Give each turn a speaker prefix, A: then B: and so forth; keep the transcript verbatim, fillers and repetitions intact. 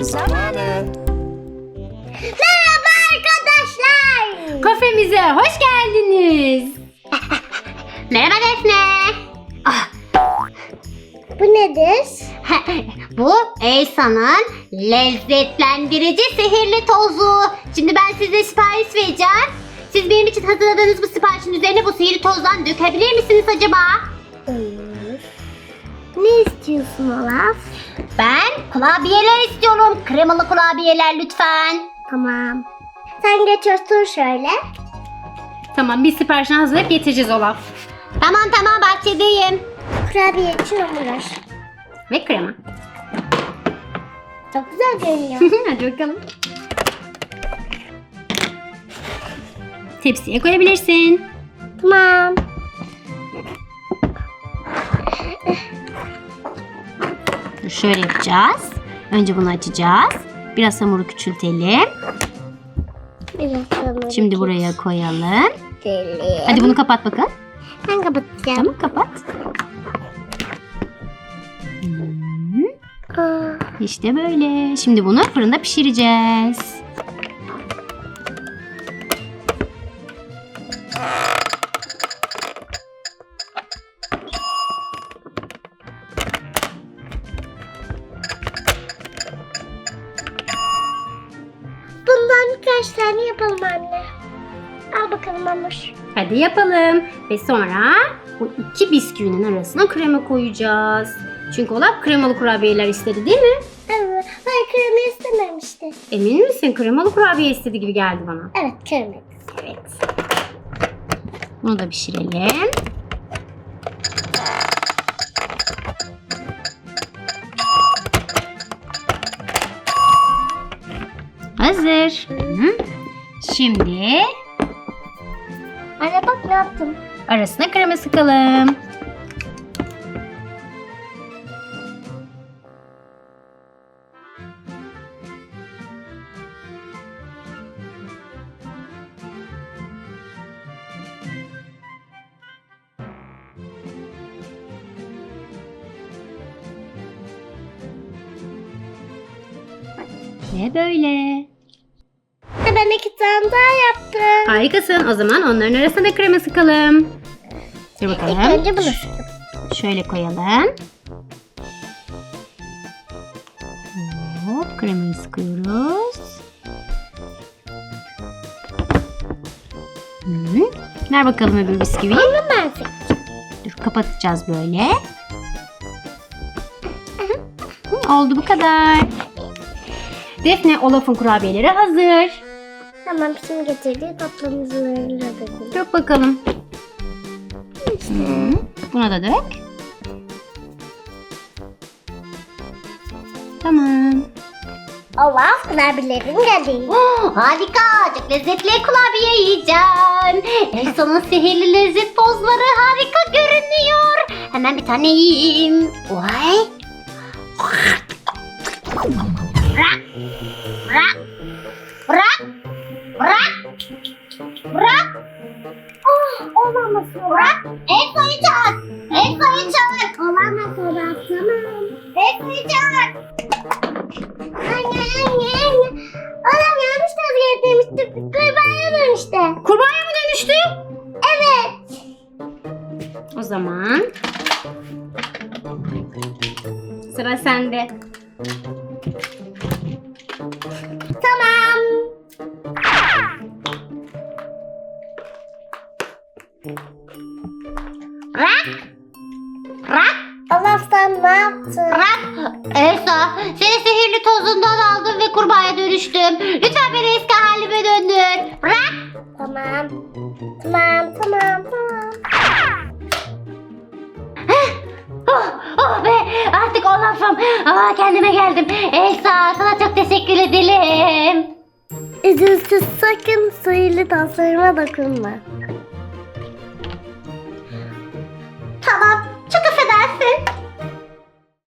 A: kahvaltı zamanı.
B: Merhaba arkadaşlar.
C: Kafemize hoş geldiniz.
B: Merhaba Defne.
C: Ah,
B: Bu nedir?
D: Bu Elsa'nın lezzetlendirici sihirli tozu. Şimdi ben size sipariş vereceğim. Siz benim için hazırladığınız bu siparişin üzerine bu sihirli tozdan dökebilir misiniz acaba?
B: Olur. Ne istiyorsun Olaf?
D: Ben kurabiyeler istiyorum. Kremalı kurabiyeler lütfen.
B: Tamam. Sen geç otur şöyle.
C: tamam biz siparişini hazırlayıp getireceğiz Olaf.
D: Tamam tamam bahçedeyim.
B: Kurabiye için hamur.
C: Ve krema.
B: Çok güzel görünüyor.
C: Hadi bakalım. Tepsiye koyabilirsin.
B: Tamam.
D: Dur, şöyle yapacağız. Önce bunu açacağız. Biraz hamuru küçültelim.
B: Biraz hamur
D: Şimdi buraya koyalım.
B: küçültelim.
D: Hadi bunu kapat bakalım.
B: Ben kapatacağım.
D: Tamam kapat.
B: Aa,
D: İşte böyle. Şimdi bunu fırında pişireceğiz.
B: bundan birkaç tane yapalım anne. Al bakalım hamur.
C: Hadi yapalım. Ve sonra bu iki bisküvinin arasına krema koyacağız. Çünkü Olaf kremalı kurabiyeler istedi değil mi?
B: Evet. Hayır krema istememişti.
C: Emin misin? Kremalı kurabiye istedi gibi geldi bana.
B: Evet krema.
C: Evet.
D: Bunu da pişirelim. Hazır. Hı. Şimdi
B: Anne bak ne yaptım.
D: arasına krema sıkalım. Ve böyle.
B: Ben iki tane daha yaptım.
C: Harikasın. O zaman onların arasına da krema sıkalım. Dur
B: İlk
C: bakalım.
B: önce bunu sıktım.
D: Şöyle koyalım. Hop, kremayı sıkıyoruz. Hı. Ver bakalım öbür bisküviyi.
B: Bunu ben sıktım.
D: Dur, kapatacağız böyle. Hı, oldu bu kadar.
C: Defne, Olaf'ın kurabiyeleri hazır.
B: Tamam şimdi getirdiği tatlı muzlarıyla döküldü.
C: Dök bakalım.
D: Hı. Buna da dök. Tamam.
B: Olaf kurabiyelerinin geldi.
D: Oh, harika. Çok lezzetli kurabiye yiyeceğim. Elsa'nın sihirli lezzet tozları harika görünüyor. Hemen bir tane yiyeyim. Vay. Bırak. Bırak. Bırak. Bırak. Bırak.
B: Oh, olamaz
D: Bırak. Elsa'yı çağır. Elsa'yı çağır.
B: Olamaz Olaf tamam.
D: Elsa'yı çağır.
B: Anne anne anne. Olaf yanlış tezgah demişti. Kurbağaya dönüştü.
C: Kurbağaya mı dönüştü?
B: Evet.
C: O zaman sıra sende.
B: Tamam.
D: Bırak. Bırak.
B: Olaf sen ne yaptın?
D: Bırak. Elsa, seni sihirli tozundan aldım ve kurbağaya dönüştüm. Lütfen beni eski halime döndür. Bırak.
B: Tamam. Tamam tamam tamam.
D: Oh, oh be, artık Olaf'ım. Aa, kendime geldim. Elsa, sana çok teşekkür ederim.
B: Üzülsüz sakın sihirli taslarıma dokunma.
D: Tamam,